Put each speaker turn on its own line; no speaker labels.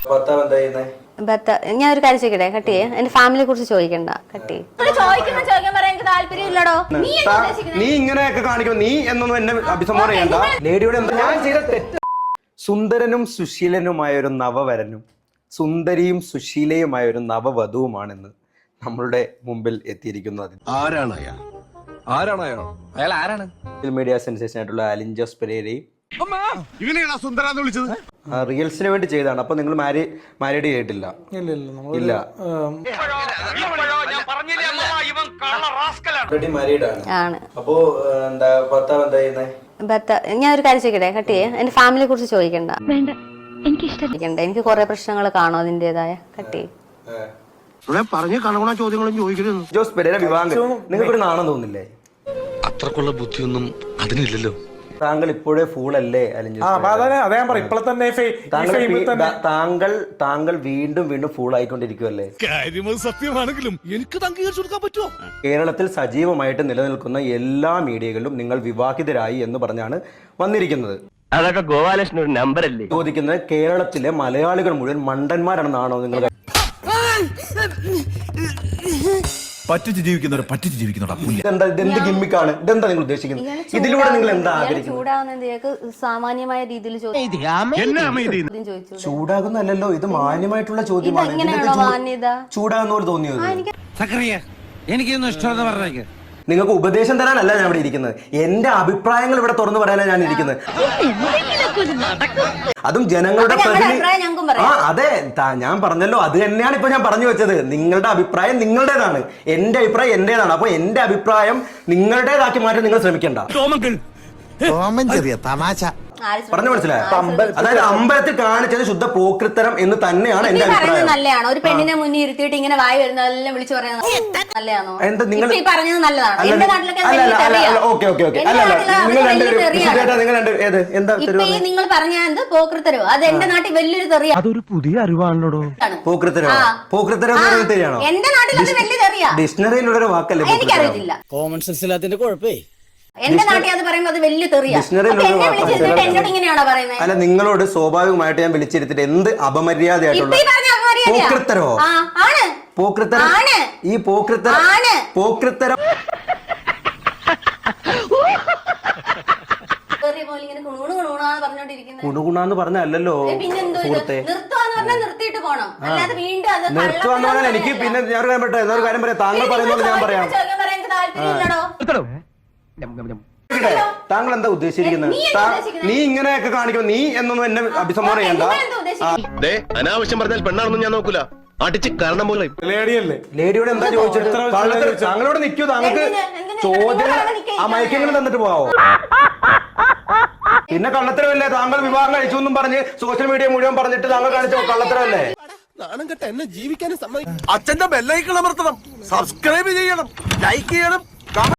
ഞാൻ ഒരു കാര്യം ചോദിക്കട്ടെ, കട്ടിയെ എന്റെ ഫാമിലിയെ കുറിച്ച് ചോദിക്കണ്ട, കട്ടി
നീ ഇങ്ങനെയൊക്കെ കാണിക്കും, നീ എന്നൊന്നും എന്നെ അഭിസംബോധന ചെയ്യണ്ട. ലേഡിയോട് എന്താ ഞാൻ ചെയ്ത തെറ്റ്? സുന്ദരനും സുശീലനുമായ ഒരു നവവരനും സുന്ദരിയും സുശീലയുമായ ഒരു നവവധുവുമാണെന്ന് നമ്മളുടെ മുമ്പിൽ എത്തിയിരിക്കുന്നത്. മീഡിയ സെൻസേഷൻ ആയിട്ടുള്ള അലിൻ ജോസ് പെരേരയും റിയൽസിന് വേണ്ടി ചെയ്തതാണ്. അപ്പൊ നിങ്ങൾ മാരീഡ് ചെയ്തിട്ടില്ല? ഇല്ല. അപ്പോ എന്താ ഭർത്താവ് എന്താ ചെയ്യുന്നത്?
ഞാൻ ഒരു കാര്യം ചോദിക്കട്ടെ, കട്ടിയെ എന്റെ ഫാമിലിയെ കുറിച്ച് ചോദിക്കണ്ട, എനിക്ക് കുറെ പ്രശ്നങ്ങൾ കാണും അതിന്റേതായ. കട്ടി
ജോസ് പെരേര വിവാഹം നിങ്ങൾക്കൊരു നാണം തോന്നില്ലേ?
അത്രക്കുള്ള ബുദ്ധിയൊന്നും അതിനില്ലല്ലോ.
താങ്കൾ ഇപ്പോഴേ ഫൂളല്ലേ താങ്കൾ വീണ്ടും വീണ്ടും ഫൂൾ ആയിക്കൊണ്ടിരിക്കുവല്ലേ?
സത്യമാണെങ്കിലും എനിക്ക് അംഗീകരിച്ചു കൊടുക്കാൻ പറ്റുമോ?
കേരളത്തിൽ സജീവമായിട്ട് നിലനിൽക്കുന്ന എല്ലാ മീഡിയകളിലും നിങ്ങൾ വിവാഹിതരായി എന്ന് പറഞ്ഞാണ് വന്നിരിക്കുന്നത്.
അതൊക്കെ ഗോപാലകൃഷ്ണൻ ഒരു നമ്പർ അല്ലേ?
ചോദിക്കുന്നത് കേരളത്തിലെ മലയാളികൾ മുഴുവൻ മണ്ടന്മാരാണെന്നാണോ നിങ്ങൾ?
പറ്റിച്ച് ജീവിക്കുന്നവരാ.
ഇതെന്ത് ഗിമ്മിക്കാണ്? ഇതെന്താ നിങ്ങൾ ഉദ്ദേശിക്കുന്നത്? ഇതിലൂടെ നിങ്ങൾ എന്താ
ആഗ്രഹിക്കുന്നത്? സാമാന്യമായ രീതിയിൽ
ചൂടാകുന്നല്ലോ, ഇത് മാന്യമായിട്ടുള്ള ചോദ്യമാണ്. ചൂടാകുന്ന പോലെ തോന്നിയത്
എനിക്കൊന്നും ഇഷ്ടമെന്ന് പറഞ്ഞേക്ക്.
നിങ്ങൾക്ക് ഉപദേശം തരാനല്ല ഞാൻ ഇവിടെ ഇരിക്കുന്നത്, എന്റെ അഭിപ്രായങ്ങൾ ഇവിടെ തുറന്നു പറയാനാണ് ഞാൻ ഇരിക്കുന്നത്. അതും ജനങ്ങളുടെ അതെ, ഞാൻ പറഞ്ഞല്ലോ, അത് തന്നെയാണ് ഇപ്പൊ ഞാൻ പറഞ്ഞു വെച്ചത്. നിങ്ങളുടെ അഭിപ്രായം നിങ്ങളുടേതാണ്, എന്റെ അഭിപ്രായം എന്റേതാണ്. അപ്പൊ എന്റെ അഭിപ്രായം നിങ്ങളുടേതാക്കി മാറ്റാൻ നിങ്ങൾ ശ്രമിക്കണ്ട. പറഞ്ഞു മനസ്സിലായോ? അതായത് അമ്പലത്തിൽ കാണിച്ചത് ശുദ്ധ പോക്രിത്തരം എന്ന് തന്നെയാണ് എന്റെ അഭിപ്രായം.
നല്ലതാണോ ഒരു പെണ്ണിനെ മുന്നിൽ ഇരുത്തിയിട്ട് ഇങ്ങനെ വായി വരുന്നതെല്ലാം വിളിച്ചു പറയുന്നത് നല്ലതാണോ?
എന്താ നിങ്ങൾ
പറഞ്ഞത് നല്ലതാണോ? നിങ്ങൾ പറഞ്ഞ എന്ത് പോക്രിത്തരോ? അത് എന്റെ നാട്ടിൽ വലിയൊരു തെറിയാ.
അതൊരു പുതിയ അറിവാണല്ലോ.
പോക്രിത്തരോ? പോക്രിത്തരം തെറിയാണോ?
എന്റെ നാട്ടിൽ അത് വലിയ തെറിയാ.
ഡിക്ഷണറിയിലുള്ള ഒരു വാക്കല്ലേ?
എനിക്കറിയത്തില്ല.
കോമൺ സെൻസ് ഇല്ലാത്തതിന്റെ കുഴപ്പേ.
എന്റെ നാട്ടിൽ അത് പറയുമ്പോൾ അത് വലിയ തെറിയാ. എന്നോട് ഇങ്ങനെയാണോ പറയുന്നത്?
അല്ല, നിങ്ങളോട് സ്വാഭാവികമായിട്ട് ഞാൻ വിളിച്ചിരുത്തിട്ട് എന്ത് അപമര്യാദയായിട്ടുള്ള പോക്രിത്തരോ? പോക്രിത്തരം, ഈ പോക്രിത്തരം കുണുകുണാന്ന് പറഞ്ഞല്ലോ സുഹൃത്തെ. നിർത്തുവാന്ന് പറഞ്ഞാൽ എനിക്ക് പിന്നെ ഞാൻ എന്നൊരു കാര്യം പറയാം. താങ്കൾ പറയുന്നത് ഞാൻ പറയാം. താങ്കൾ എന്താ ഉദ്ദേശിച്ചിരിക്കുന്നത്? നീ ഇങ്ങനെയൊക്കെ കാണിക്കും, നീ എന്നൊന്നും എന്നെ അഭിസംബോധന ചെയ്യണ്ട.
അനാവശ്യം പറഞ്ഞാൽ പെണ്ണാണെന്നും ഞാൻ നോക്കൂല. അടിച്ച് കാരണം പോലെ
ലേഡിയോട് എന്താ ചോദിച്ചത്? താങ്കളോട് നിൽക്കൂ. താങ്കൾക്ക് ചോദ്യം ആ മയക്കെങ്കിലും തന്നിട്ട് പോവാവോ? പിന്നെ കള്ളത്തരമല്ലേ? താങ്കൾ വിവാഹം കഴിച്ചു എന്നും പറഞ്ഞ് സോഷ്യൽ മീഡിയ മുഴുവൻ പറഞ്ഞിട്ട് താങ്കൾ കാണിച്ചോ കള്ളത്തരമല്ലേ?
എന്നെ ജീവിക്കാനും സമ്മതിക്കും. അച്ഛന്റെ ബെല്ലൈക്കൺ അമർത്തണം, സബ്സ്ക്രൈബ് ചെയ്യണം, ലൈക്ക് ചെയ്യണം.